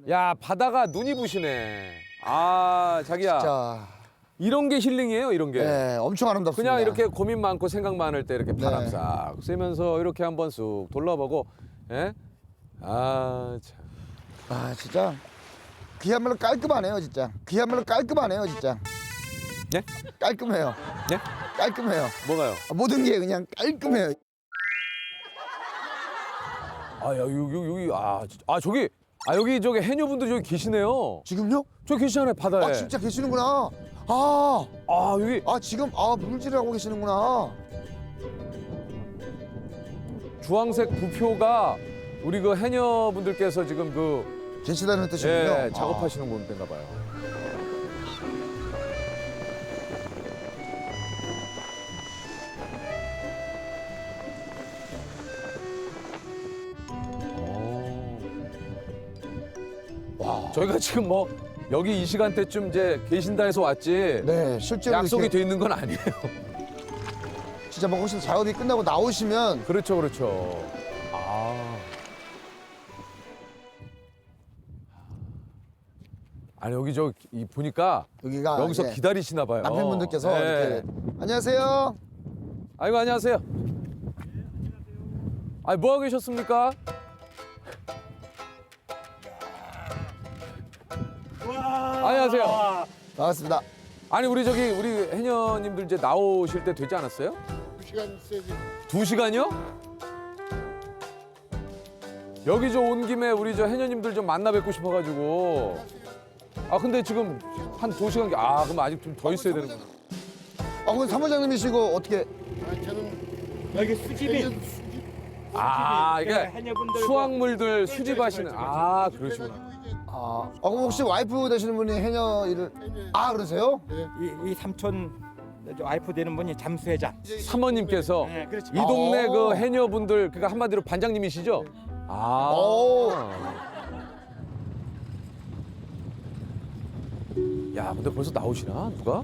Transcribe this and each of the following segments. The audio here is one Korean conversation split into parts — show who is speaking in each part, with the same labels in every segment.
Speaker 1: 야, 바다가 눈이 부시네. 아, 자기야.
Speaker 2: 자,
Speaker 1: 이런 게 힐링이에요, 이런 게.
Speaker 2: 네, 엄청 아름답습니다.
Speaker 1: 그냥 이렇게 고민 많고 생각 많을 때 이렇게 바람
Speaker 2: 네.
Speaker 1: 싹 쐬면서 이렇게 한번 쑥 돌아보고, 예? 아, 참.
Speaker 2: 아, 진짜 그야말로 깔끔하네요, 진짜. 그야말로 깔끔하네요, 진짜.
Speaker 1: 예?
Speaker 2: 깔끔해요.
Speaker 1: 예?
Speaker 2: 깔끔해요.
Speaker 1: 뭐가요?
Speaker 2: 모든 게 그냥 깔끔해요.
Speaker 1: 아, 야, 여기, 아, 진짜. 아, 저기 해녀분들 저기 계시네요.
Speaker 2: 지금요?
Speaker 1: 저기 계시잖아요, 바다에.
Speaker 2: 아, 진짜 계시는구나.
Speaker 1: 여기.
Speaker 2: 지금 물질을 하고 계시는구나.
Speaker 1: 주황색 부표가 우리 그 해녀분들께서 지금 그
Speaker 2: 계시다는 뜻이군요.
Speaker 1: 예, 작업하시는 건가 봐요. 와, 저희가 지금 뭐 여기 이 시간대쯤 이제 계신다 해서 왔지.
Speaker 2: 네, 실제로
Speaker 1: 약속이
Speaker 2: 이렇게
Speaker 1: 돼 있는 건 아니에요.
Speaker 2: 진짜 뭐 혹시 작업이 끝나고 나오시면
Speaker 1: 그렇죠, 그렇죠. 아. 아니 여기 보니까
Speaker 2: 여기가
Speaker 1: 여기서
Speaker 2: 이제
Speaker 1: 기다리시나 봐요.
Speaker 2: 남편분들께서
Speaker 1: 네.
Speaker 2: 이렇게 안녕하세요.
Speaker 1: 아이고 안녕하세요. 아니 뭐 하고 계셨습니까? 안녕하세요.
Speaker 2: 반갑습니다.
Speaker 1: 아니 우리 해녀님들 이제 나오실 때 되지 않았어요?
Speaker 3: 2시간 있어야지.
Speaker 1: 2시간이요? 여기 온 김에 우리 해녀님들 좀 만나 뵙고 싶어가지고. 아 근데 지금 한 2시간. 그럼 아직 좀 더 있어야 되는 거야.
Speaker 2: 그럼 사무장님이시고 어떻게?
Speaker 3: 저는
Speaker 4: 여기 수집이
Speaker 1: 이게
Speaker 4: 해녀분들
Speaker 1: 수확물들 수집하시는. 그러시구나.
Speaker 2: 그럼 혹시 와이프 되시는 분이 해녀 일을 그러세요?
Speaker 4: 이 삼촌 와이프 되는 분이 잠수회장.
Speaker 1: 사모님께서
Speaker 4: 네, 그렇지.
Speaker 1: 이 동네 그 해녀분들 그러니까 한마디로 반장님이시죠?
Speaker 2: 오.
Speaker 1: 야, 근데 벌써 나오시나 누가?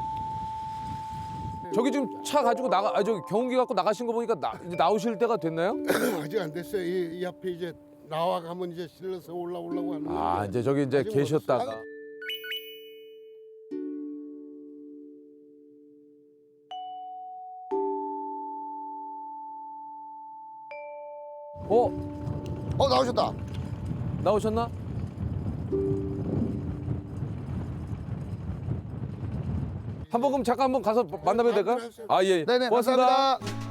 Speaker 1: 저기 지금 차 가지고 저기 경운기 갖고 나가신 거 보니까 이제 나오실 때가 됐나요?
Speaker 3: 아직 안 됐어요. 이 앞에 이제 나와가면 이제 실려서 올라오려고 하는 건데.
Speaker 1: 이제 저기 이제
Speaker 3: 아직
Speaker 1: 계셨다가.
Speaker 3: 멀었어요.
Speaker 2: 나오셨다.
Speaker 1: 나오셨나? 한번 그럼 잠깐 한번 가서 만나봐도 될까요? 예.
Speaker 2: 네네,
Speaker 1: 고맙습니다.
Speaker 2: 감사합니다.